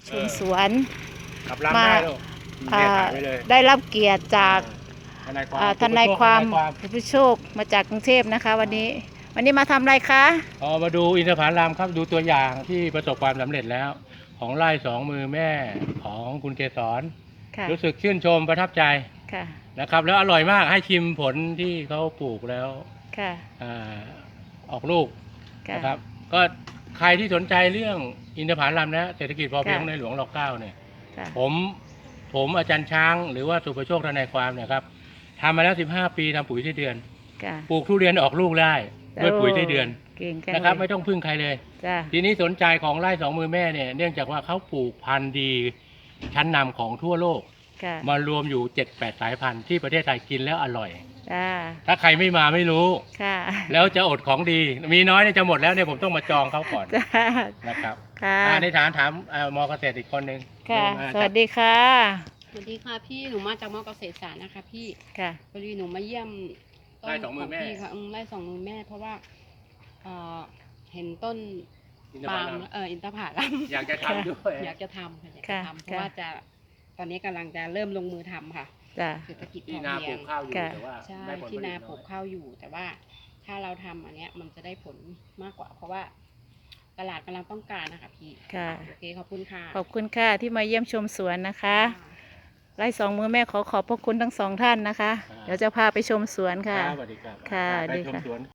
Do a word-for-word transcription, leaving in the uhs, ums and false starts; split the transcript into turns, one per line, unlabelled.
ชมสวน
กลับลำได้ลูก
อ่า
แม่ถ่ายไว้เลย
ได้รับเกียรติจาก
ทนายความ
อ่าทนายความ
ทนาย
ผู้โชคมาจากกรุงเทพนะคะ วันนี้ วันนี้มาทำอะไรคะ
อ๋อมาดูอินทผลัมครับดูตัวอย่างที่ประสบความสำเร็จแล้ว ของไร่สองมือแม่ของคุณเกษร
ค่ะ
รู้สึกชื่นชมประทับใจ
ค่ะ
นะครับ แล้วอร่อยมากให้ชิมผลที่เขาปลูกแล้ว
ค่ะ
อ่าออกลูก
ค่ะ
นะครับ ก็ใครที่สนใจเรื่องอินทผลัมนะเศรษฐกิจพอเพียง
ค่ะ
ในหลวงรอเก้าเนี่ย
ค่ะ
ผมผมอาจารย์ช้างหรือว่าสุภโชคทนายความเนี่ยครับทำมาแล้วสิบห้าปีทำปุ๋ยไส้เดือน
ค่ะ
ปลูกทุเรียนออกลูกได้ด้วยปุ๋ยไส้เดือน
เก่งจัง
นะครับ
เลย
ไม่ต้องพึ่งใครเลย
จ้า
ทีนี้สนใจของไร่สองมือแม่เนี่ยเนื่องจากว่าเขาปลูกพันธุ์ดีชั้นนำของทั่วโลก
ค่ะ
มารวมอยู่ เจ็ดแปด สายพันธุ์ที่ประเทศไทยกินแล้วอร่อย
จ้า
ถ้าใครไม่มาไม่รู้
ค่ะ
แล้วจะอดของดี มีน้อยเนี่ยจะหมดแล้วเนี่ยผมต้องมาจองเขาก่อน
จ้า
นะครับ
ค่ะ
อ่าในฐานถามเอ่อมอเกษตรอีกคนหนึ่ง
ค่ะ
มา
สวัสดีค่ะ
สวัสดีค่ะพี่หนูมาจากมอเกษตรศาสตร์นะคะพี่
ค่ะ
พอดีหนูมาเยี่ยมต้
ไร่
น
สองมือแม่
พี่ค่ะอืมไร่สองมือแม่ เพราะว่าเอ่อเห็นต้น
อินทผ
ปาล์ม
ลัม
เอออินทผลัม
อยากจะทำด้วย
อยากจะทำค่ะอยากจะ
ค่ะ
ทำเพราะว่าจะตอนนี้กำลังจะเริ่มลงมือทำค่ะ
จ้า
เศรษฐกิจพ
ที่
อ
นาป
เพี
ลู
ยง
กข้าวอยู่
ค่ะ
แต่ว่า
ใช่
ได้ผลผ
ที่
ลิต
นา
น้อย
ปลูกข้าวอยู่ แต่ว่าถ้าเราทำอันเนี้ยมันจะได้ผลมากกว่า เพราะว่าตลาดกำลังต้องการนะคะพี่
ค่ะ
โอเคขอบคุณค่ะ
ขอบคุณค่ะที่มาเยี่ยมชมสวนนะคะ
ค่ะ
ไร่สองมือแม่ขอขอบพระคุณทั้งสองท่านนะคะ
ครับ
เดี๋ยวจะพาไปชมสวนค่ะ
ครับสวัสดีครับ
ค่ะ
ไป
ดี
ชม
ค่ะ
สวน